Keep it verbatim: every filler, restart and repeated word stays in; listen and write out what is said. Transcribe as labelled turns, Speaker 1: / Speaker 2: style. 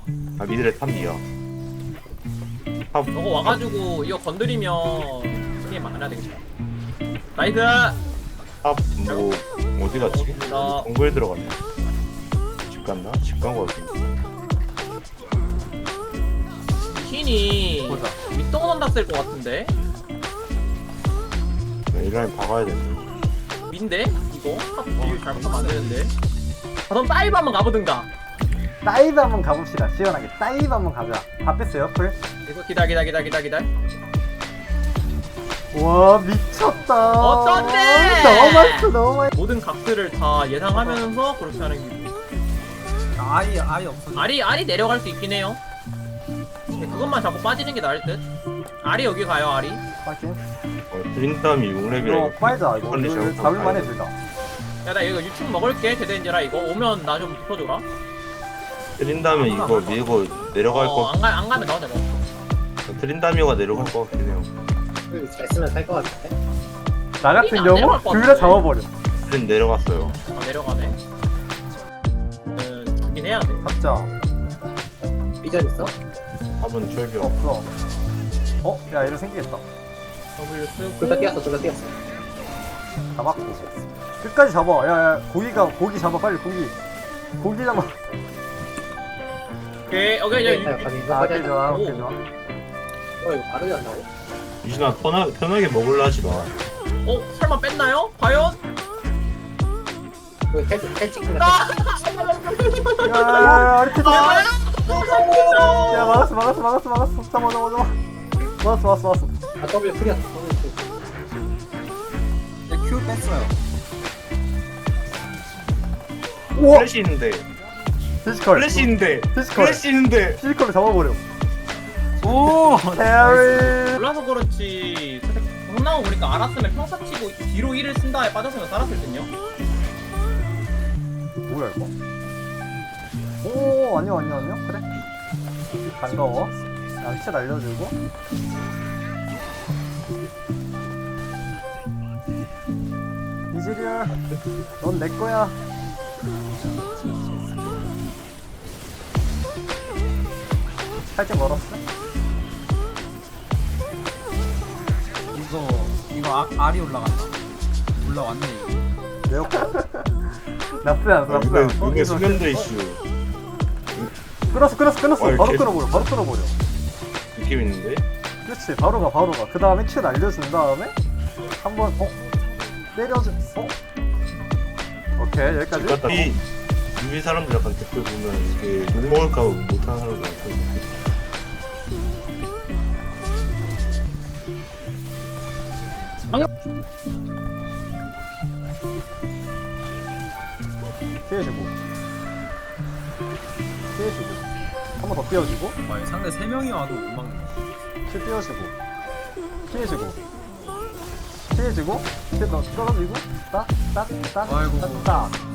Speaker 1: 아 미드레 탑이야. 탑.
Speaker 2: 너거 와가지고 이거 건드리면 게임 안 해야 되겠다. 나이스.
Speaker 1: 탑뭐 어디 갔지?
Speaker 2: 나-
Speaker 1: 정글에 들어갔나? 집 갔나? 집 간 거 같은데.
Speaker 2: 킨이
Speaker 3: 보자.
Speaker 2: 밑동 언다 쓸 것 같은데.
Speaker 1: 이 라인 박아야 되는데.
Speaker 2: 민데 이거 탑 비율 잘못하면 안 되는데. 그럼 다이브 한번 가보든가.
Speaker 3: 다이브 한번 가봅시다. 시원하게 다이브 한번 가자. 다 뺐어요 풀.
Speaker 2: 이거 기다 기다 기다 기다 기다.
Speaker 3: 와 미쳤다.
Speaker 2: 어떤데?
Speaker 3: 너무 맛있어 너무 맛있어.
Speaker 2: 모든 각들을 다 예상하면서 그렇게 하는 게.
Speaker 4: 아예 아예 없어.
Speaker 2: 알이 알이 내려갈 수 있긴 해요. 근데 그것만 잡고 빠지는 게 나을 듯. 알이 여기 가요 알이.
Speaker 3: 파이팅.
Speaker 1: 어, 드림땀이 육 렙이라
Speaker 3: 이거 빨자 이거.
Speaker 1: 빨리
Speaker 3: 이거
Speaker 1: 잡고
Speaker 3: 잡을만해
Speaker 1: 가야
Speaker 3: 둘 다.
Speaker 2: 야 나 이거 유충 먹을게 데덴지라 이거 오면 나 좀 붙어줘라.
Speaker 1: 드린다면 이거 밀고 내려갈
Speaker 2: 어,
Speaker 1: 거.
Speaker 2: 안, 가, 안 가면 나 혼자 먹어.
Speaker 1: 드린다미오가 내려갈 거 같긴 해요.
Speaker 5: 잘 쓰면 살 것 같은데?
Speaker 3: 나 같은
Speaker 2: 안
Speaker 3: 경우
Speaker 2: 내려갈 것
Speaker 3: 둘 다
Speaker 2: 같은데.
Speaker 3: 잡아버려.
Speaker 1: 드린 내려갔어요.
Speaker 2: 아 내려가네. 음, 주긴 해야 돼.
Speaker 3: 잡자.
Speaker 5: 삐전 있어?
Speaker 1: 탑은 철벽.
Speaker 3: 없어. 어? 야 이거 생기겠다.
Speaker 2: W 쓰고.
Speaker 5: 둘 다 뛰었어, 둘 다 뛰었어.
Speaker 3: 잡았고. 끝까지 잡아. 야야 고기가 고기 잡아 빨리 고기. 고기 잡아.
Speaker 2: 오케이 오케이
Speaker 5: 네,
Speaker 2: 이제
Speaker 5: 자, 가자, 이거
Speaker 3: 아
Speaker 5: 가자.
Speaker 3: 오케이 좋아
Speaker 2: 오.
Speaker 3: 오케이 좋아.
Speaker 5: 어, 이거 바로 간다고?
Speaker 1: 유진아 편하, 편하게 먹을라 하지 마.
Speaker 2: 어 설마 뺐나요? 과연?
Speaker 5: 이거 텔, 텔 찍는 거.
Speaker 2: 아!
Speaker 3: 야야야 이렇게 잡아.
Speaker 2: 아!
Speaker 3: 야 막았어 막았어 막았어 막았어. 잡아 잡아 잡아. 막았어 막았어 막았어.
Speaker 5: 아, W 프리야. W 프리.
Speaker 4: 큐 뺐어요.
Speaker 3: 우와
Speaker 1: 플래시 있는데.
Speaker 3: 피지컬.
Speaker 1: 플래시 있는데.
Speaker 3: 피지컬.
Speaker 1: 플래시 있는데.
Speaker 3: 피지컬을 잡아버려.
Speaker 4: 오.
Speaker 3: 해리.
Speaker 2: 몰라서 그렇지. 동나무 보니까 알았으면 평타 치고 뒤로 일을 쓴 다음에 빠졌으면 살았을 듯요.
Speaker 3: 뭐야 이거? 오 안녕 안녕 안녕 그래. 반가워. 양치 날려주고. 이즈리얼, 넌 내 거야. 살짝 멀었어?
Speaker 4: 이거 이거 아, 알이 올라간다. 올라왔네 이거.
Speaker 3: 내 거. 나쁘지 않았어 나쁘지
Speaker 1: 이게,
Speaker 3: 않았어.
Speaker 1: 이게 수면도 이슈.
Speaker 3: 끊었어 끊었어 끊었어.
Speaker 1: 어,
Speaker 3: 바로
Speaker 1: 이렇게-
Speaker 3: 끊어버려 바로 끊어버려.
Speaker 1: 느낌 있는데.
Speaker 3: 그렇지 바로 가 바로 가. 그 다음에 큐 날려준 다음에 한번 어? 때려줘. 어? 오케이 여기까지.
Speaker 1: 갔다 이 유비 사람들 약간 댓글 보면 이게 욕 먹을까 봐 못하는 사람들 많거든요.
Speaker 3: 피해주고 피해주고 한 번 더 띄워주고
Speaker 4: 와, 상대 세 명이 와도 못 막는 거.
Speaker 3: 피 띄워주고 피해주고 피해주고 피 너 떨어지고
Speaker 4: 아이고.
Speaker 3: 따따따따따